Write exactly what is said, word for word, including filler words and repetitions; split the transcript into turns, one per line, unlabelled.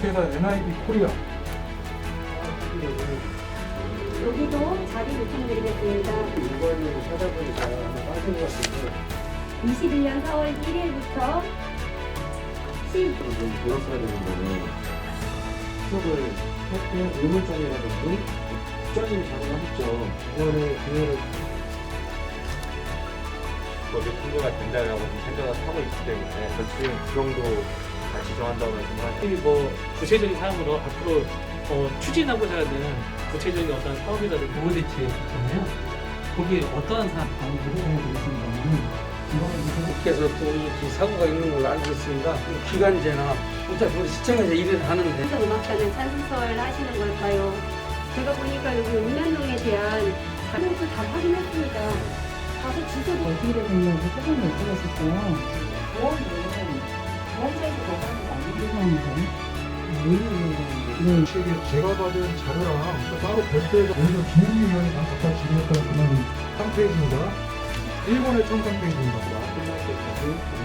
주식회사 엔아이비 코리아.
여기도 자리 요청드리겠습니다.
일본인을 찾아보니까 아마 빠진 것 같은데
이십일 년 사월 일 일부터 십
좀 보였어야 되는 거는 수업을 할때 의문점이라든지 국장님이 작업하셨죠. 이거를 기회를
거기 통과가 된다라고 좀 생각을 하고 있기 때문에 지금 그 정도 다 지정한다고 말씀하셨는데
뭐 구체적인 사항으로 앞으로 어, 추진하고자 하는 구체적인 어떤 사업이라든지
보호 대책 있잖아요. 거기에 어떠한 사항 방법을 해드리신다면
국회에서 또 이 사고가 있는 걸로 알고 있습니다. 기간제나 어차피 우리 시청에서 일을 하는데
그래서 음악단은 찬스서를 하시는 걸까요? 제가 보니까 여기 읍면동에 대한 자료도 다 확인했습니다. 가서 주소도
어디를 보려고 사전에 여쭤봤었어요. 보안은 보안사에서 보관이 안 되는 네.
제가 받은 자료랑 또 따로 별도에서 오히려 김웅위원이 난 갖다 지급했던 그런 한 페이지입니다. 일본의 첨단 페이지입니다.
끝날 때까지